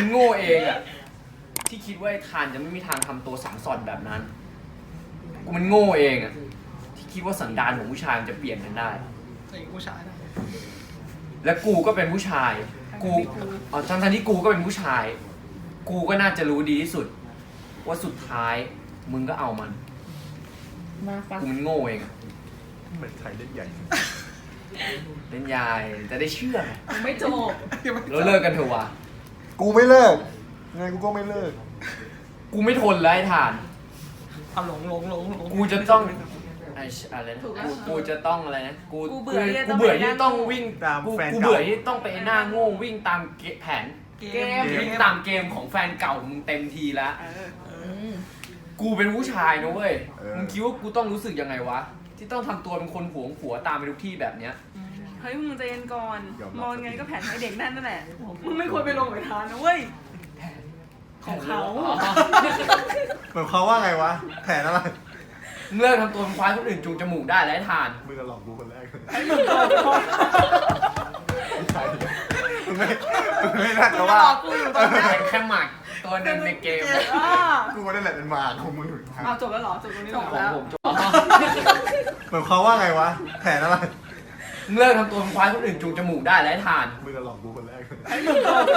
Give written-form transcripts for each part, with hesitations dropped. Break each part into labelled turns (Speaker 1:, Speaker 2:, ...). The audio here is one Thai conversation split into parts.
Speaker 1: โง่เองอะที่คิดว่าไอ้ทานจะไม่มีทางทำตัวสังสอนแบบนั้นกูมันโง่เองอะที่คิดว่าสันดานของผู้ชายมันจะเปลี่ยนกันได้
Speaker 2: ผู้ชายนะ
Speaker 1: และกูก็เป็นผู้ชายกูทั้งที่กูก็เป็นผู้ชายกูก็น่าจะรู้ดีที่สุดว่าสุดท้ายมึงก็เอามันกูมันโง่เองอะ
Speaker 3: เหมือนไทยเล่นใหญ่
Speaker 1: เล่นยายจะได้เชื่อไง
Speaker 4: ไม่จบ
Speaker 1: แล้วเลิกกันเถอะวะ
Speaker 3: กูไม่เลิกไงกูก็ไม่เลิก
Speaker 1: กูไม่ทนแล้วไอ้ทาน
Speaker 2: เอาหลง
Speaker 1: กูจะต้องอะไรนะกูจะต้องอะไรนะกูเบื่อที่ต้องวิ่งกูเบื่อที่ต้องไปหน้าโง่วิ่งตามแผนวิ่งตามเกมของแฟนเก่ามึงเต็มทีแล้วกูเป็นผู้ชายนะเว้ยมึงคิดว่ากูต้องรู้สึกยังไงวะที่ต้องทำตัวเป็นคนหวงผัวตามไปทุกที่แบบเนี้ย
Speaker 4: เฮ้ยมึงใจเย็นก่อนมองไงก็แผนให้เด็กนั่นแหละมึงไม่ควรไปลงกับทานนะเว้ยของเขา
Speaker 3: เหมือนเขาว่าไงวะแผนอะไร
Speaker 1: มึงเลิกทำตัวเป็นควายคนอื่นจูงจมูกได้แล้วไอ้ทาน
Speaker 3: มึงจะหลอกกูคนแรกเลย
Speaker 4: ไอ้มึงโดน
Speaker 3: มึงไม่น่าจะว่า
Speaker 4: กูอยู่ตรงนี้
Speaker 1: เป็นแค่หมากตัวหนึ่งในเกม
Speaker 3: กูว่าได้แหละเป็นหมาของมึง
Speaker 4: เอาจบแล้วเหรอจบตรงนี้
Speaker 1: ของ
Speaker 4: แล้ว
Speaker 1: ผมจบ
Speaker 3: เหมือนเขาว่าไงวะแผนอะไร
Speaker 1: มึงเลิกทำตัวเป็นควายคนอื่นจูงจมูกได้แล้วไอ้ทาน
Speaker 3: มึงจะหลอกกูคนแรกเลย
Speaker 4: ไอ้มึงโดน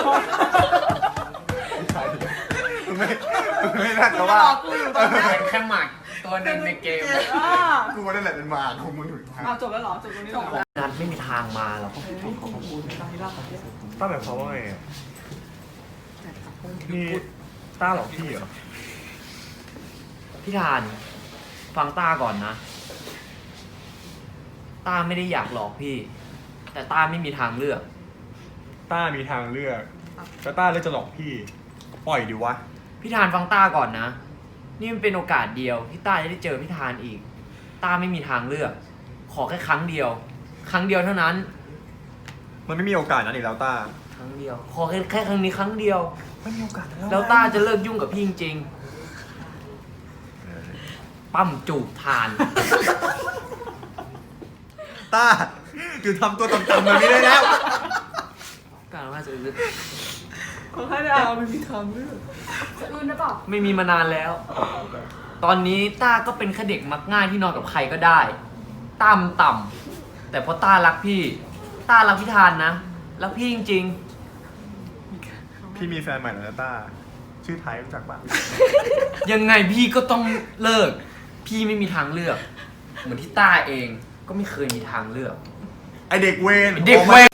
Speaker 3: มึงไม่น่าจะว่า
Speaker 4: กูอยู่ตรงนี้
Speaker 1: เป็นแค่หมากตัวหนึ่งในเกม
Speaker 3: กูว่าได้แหละเป็นหมาของมึง
Speaker 4: เอาจบแล้วเหรอจบตรงนี้แล้ว
Speaker 1: นันไม่มีทางมาหรอก
Speaker 3: ต้าแบบเขาว่าไงนี่ต้าหลอกพี่เหรอ
Speaker 1: พี่ทานฟังต้าก่อนนะต้าไม่ได้อยากหลอกพี่ แต่ต้าไม่มีทางเลือก
Speaker 3: ต้ามีทางเลือกแล้วต้าเลือกจะหลอกพี่ปล่อยดิวะ
Speaker 1: พี่ทานฟังต้าก่อนนะนี่มันเป็นโอกาสเดียวที่ต้าจะได้เจอพี่ทานอีกต้าไม่มีทางเลือก ขอแค่ครั้งเดียวเท่านั้น
Speaker 3: มันไม่มีโอกาสนั้นอีกแล้วต้า
Speaker 1: ครั้งเดียวขอแค่ครั้งนี้ครั้งเดียว
Speaker 3: ไม่มีโอกาส
Speaker 1: แล้วต้าจะเลิกยุ่งกับพี่จริงๆปั้มจูบทาน
Speaker 3: ต้าหยุดทำตัวต่ำๆแบบนี้ได้แล้ว
Speaker 1: การว่าจะอึด
Speaker 4: คนให้ดาวไม่มีทางเลือกจะอื่นได้เปล่า
Speaker 1: ไม่มีมานานแล้ว ตอนนี้ต้าก็เป็นแค่เด็กมักง่ายที่นอนกับใครก็ได้ต้ามันต่ำแต่เพราะต้ารักพี่ต้ารักพี่ทานนะรักพี่จริง
Speaker 3: พี่มีแฟนใหม่แล้วนะต้าชื่อไทยรู้จักปะ
Speaker 1: ๆ ยังไงพี่ก็ต้องเลิก พี่ไม่มีทางเลือก เหมือนที่ต้าเองก็ไม่เคยมีทางเลือก
Speaker 3: ไอเด็กเวร
Speaker 1: เด็กเวร